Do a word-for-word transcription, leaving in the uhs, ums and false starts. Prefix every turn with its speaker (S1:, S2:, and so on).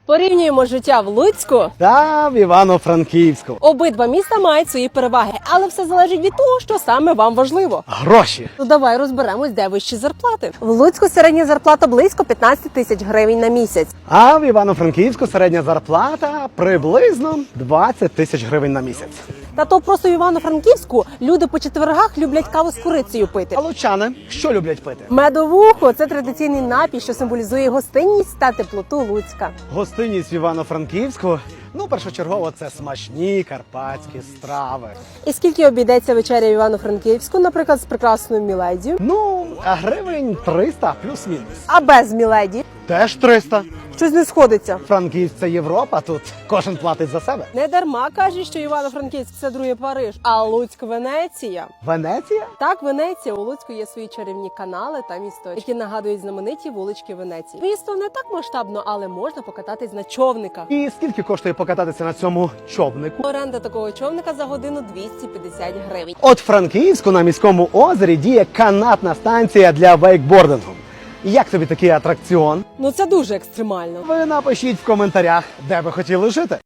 S1: Порівнюємо життя в Луцьку.
S2: Та в Івано-Франківську.
S1: Обидва міста мають свої переваги, але все залежить від того, що саме вам важливо.
S2: Гроші.
S1: Ну давай розберемось, де вищі зарплати. В Луцьку середня зарплата близько п'ятнадцять тисяч гривень на місяць.
S2: А в Івано-Франківську середня зарплата приблизно двадцять тисяч гривень на місяць.
S1: Та то просто в Івано-Франківську люди по четвергах люблять каву з курицею пити.
S2: А лучани що люблять пити?
S1: Медовухо – це традиційний напій, що символізує гостинність та теплоту Луцька.
S2: Гостинність в Івано-Франківську, ну, першочергово, це смачні карпатські страви.
S1: І скільки обійдеться вечеря в Івано-Франківську, наприклад, з прекрасною Міледі?
S2: Ну, а гривень триста плюс-мінус.
S1: А без Міледі?
S2: Теж триста.
S1: Щось не сходиться.
S2: Франківськ – це Європа, тут кожен платить за себе.
S1: Не дарма кажуть, що Івано-Франківськ – це другий Париж, а Луцьк – Венеція.
S2: Венеція?
S1: Так, Венеція. У Луцьку є свої чарівні канали та місточки, які нагадують знамениті вулички Венеції. Місто не так масштабно, але можна покататись на човниках.
S2: І скільки коштує покататися на цьому човнику?
S1: Оренда такого човника за годину двісті п'ятдесят гривень.
S2: От в Франківську на міському озері діє канатна станція для вейкбордингу. Як тобі такий атракціон?
S1: Ну це дуже екстремально.
S2: Ви напишіть в коментарях, де ви хотіли жити.